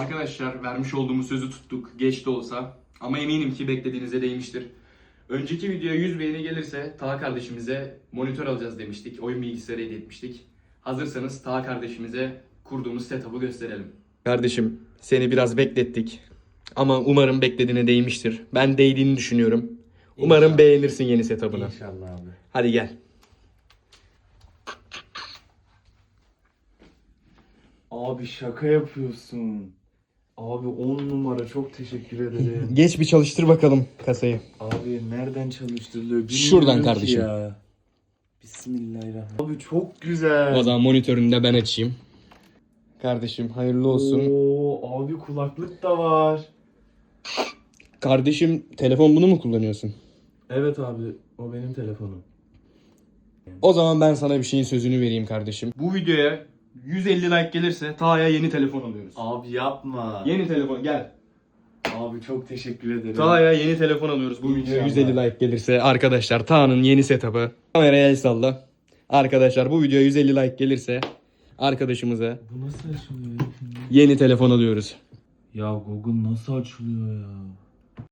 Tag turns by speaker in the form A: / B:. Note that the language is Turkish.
A: Arkadaşlar vermiş olduğumuz sözü tuttuk. Geç de olsa. Ama eminim ki beklediğinize değmiştir. Önceki videoya 100 beğeni gelirse Taha kardeşimize monitör alacağız demiştik. Oyun bilgisayarı hediye etmiştik. Hazırsanız Taha kardeşimize kurduğumuz setup'ı gösterelim. Kardeşim seni biraz beklettik. Ama umarım beklediğine değmiştir. Ben değdiğini düşünüyorum. Umarım
B: İnşallah.
A: beğenirsin yeni setup'ını.
B: İnşallah abi.
A: Hadi gel.
B: Abi şaka yapıyorsun. Abi 10 numara, çok teşekkür ederim.
A: Geç bir çalıştır bakalım kasayı.
B: Abi nereden çalıştırılıyor bilmiyorum
A: Şuradan
B: ki
A: kardeşim.
B: ya. Bismillahirrahmanirrahim. Abi çok güzel.
A: O zaman monitörünü de ben açayım. Kardeşim hayırlı olsun.
B: Oo, abi kulaklık da var.
A: Kardeşim telefon bunu mu kullanıyorsun?
B: Evet abi, o benim telefonum.
A: O zaman ben sana bir şeyin sözünü vereyim kardeşim. Bu videoya 150 like gelirse Taha'ya yeni telefon alıyoruz.
B: Abi yapma.
A: Yeni telefon gel.
B: Abi çok teşekkür ederim.
A: Taha'ya yeni telefon alıyoruz bu videoya
B: İnşallah.
A: 150 like gelirse. Arkadaşlar Taha'nın yeni setup'ı. Kameraya el salla. Arkadaşlar bu videoya 150 like gelirse arkadaşımıza
B: Bu nasıl açılıyor ya şimdi?
A: yeni telefon alıyoruz.
B: Ya Google nasıl açılıyor ya?